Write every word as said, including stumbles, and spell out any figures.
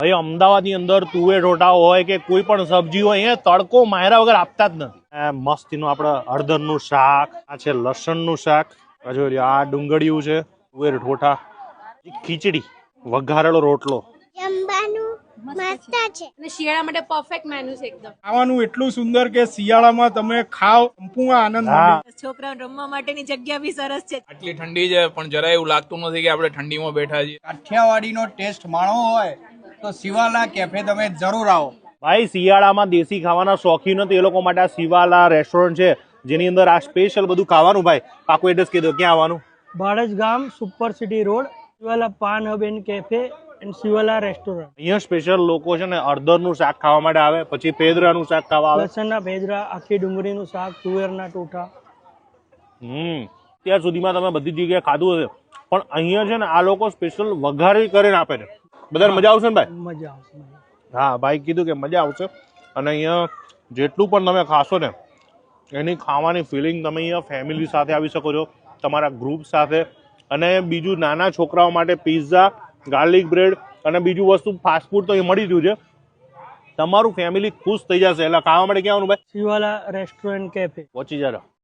ભાઈ અમદાવાદની અંદર તુવેર ઢોટા હોય કે કોઈ પણ સબ્જી હોય અહીંયા તડકો માર્યા વગર આપતા જ નથી. મસ્તીનું આપણે હળદરનું શાક, આ છે લસણનું શાક, આ ડુંગળીયું છે, તુવેર ઢોટા, ખીચડી, વઘારેલો રોટલો. શિયાળા માટે પરફેક્ટ મેનુ છે એકદમ. ખાવાનું એટલું સુંદર કે શિયાળામાં તમે ખાવ સંપૂર્ણ આનંદ મળે. છોકરાઓ રમવા માટેની જગ્યા બી સરસ છે. આટલી ઠંડી છે પણ જરાય એવું લાગતું નથી કે આપણે ઠંડીમાં બેઠા છીએ. કાઠિયાવાડીનો ટેસ્ટ માણવો હોય તો શિવાલા કેફે તમે જરૂર આવો. ભાઈ શિયાળામાં દેશી ખાવાના શોખીન હતો એ લોકો માટે આ શિવાલા રેસ્ટોરન્ટ છે જેની અંદર આ સ્પેશિયલ બધું ખાવાનું. ભાઈ પાકું એડ્રેસ કહી દો, ક્યાં આવવાનું? બાળજ ગામ, super city road, Shivala paan hub and cafe and Shivala restaurant. અહીંયા સ્પેશિયલ લોકો છે ને હળદરનું શાક ખાવા માટે આવે, પછી પેદરાનું શાક ખાવા આવે, લસણના ભેજરા, આખી ડુંગળીનું શાક, તુવેરના ટોઠા. હમ ત્યાર સુધીમાં તમે બધી જગ્યાએ ખાધું હશે પણ અહીંયા છે ને આ લોકો સ્પેશિયલ વઘારી કરીને આપે છે. બધાને મજા આવશે ને ભાઈ? મજા આવશે. હા, ભાઈ કીધું કે મજા આવશે. અને અહીંયા જેટલું પણ તમે ખાશો ને એની ખાવાની ફિલિંગ તમે અહીંયા ફેમિલી સાથે આવી શકો છો, તમારા ગ્રુપ સાથે. અને બીજું નાના છોકરાઓ માટે પિઝા, ગાર્લિક બ્રેડ અને બીજું વસ્તુ ફાસ્ટફૂડ તો એ મળી રહ્યું છે. તમારું ફેમિલી ખુશ થઈ જશે. એટલે ખાવા માટે ક્યાં આવવાનું ભાઈ? Shivala restaurant cafe. પહોંચી જરા.